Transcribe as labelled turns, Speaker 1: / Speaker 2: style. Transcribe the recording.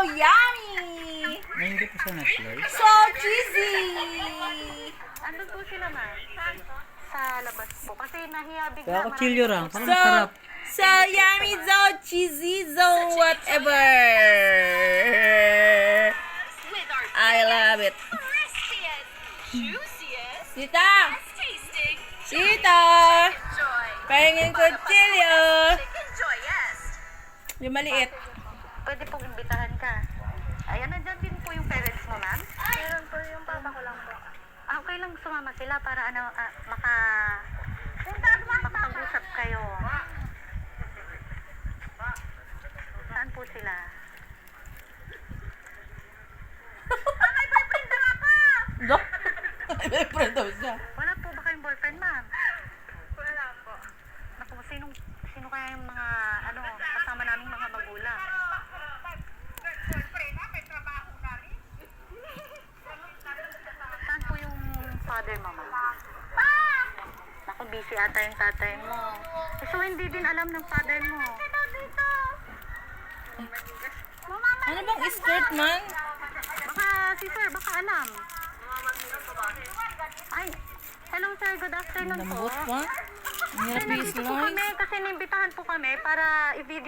Speaker 1: yummy!
Speaker 2: Ay, hindi po siya na-slice.
Speaker 1: So cheesy!
Speaker 3: Andun po sila na. Sa labas po. Kasi nahiya bigla.
Speaker 2: Kaya kutsilyo lang. Parang
Speaker 1: So,
Speaker 2: masarap.
Speaker 1: so yummy, so cheesy, so whatever.
Speaker 4: With our
Speaker 1: I love it.
Speaker 4: crispiest, juiciest,
Speaker 1: Tita!
Speaker 4: tasting,
Speaker 1: Tita!
Speaker 4: joy.
Speaker 1: Pahingin kutsilyo!
Speaker 4: Chicken joyest.
Speaker 1: Yung maliit.
Speaker 3: Pwede pong imbitahan ka. Ayan, nandyan din po yung parents mo, ma'am.
Speaker 4: Meron po yung papa ko lang po.
Speaker 3: Okay lang sumama sila para makapag-usap kayo. Saan po sila?
Speaker 4: May boyfriend na nga pa!
Speaker 1: Do? May friend daw siya.
Speaker 3: Wala po ba kayong boyfriend, ma'am?
Speaker 4: Wala po.
Speaker 3: Naku, sino kaya yung mga, kasama naming mga magulang?
Speaker 4: Boyfriend na, may trabaho na rin.
Speaker 3: Saan po yung father mo, ma'am?
Speaker 4: Pa!
Speaker 3: Naku, busy ata yung tatay mo. So, hindi din alam ng father mo.
Speaker 4: Ito dito.
Speaker 1: Ano bang skirt man?
Speaker 3: Baka, si sir, baka alam. Ay, hello sir, good afternoon po.
Speaker 1: Lambot pa? Ang hirap
Speaker 3: Nandito po
Speaker 1: i-slice.
Speaker 3: kami kasi nimbitahan po kami para i-video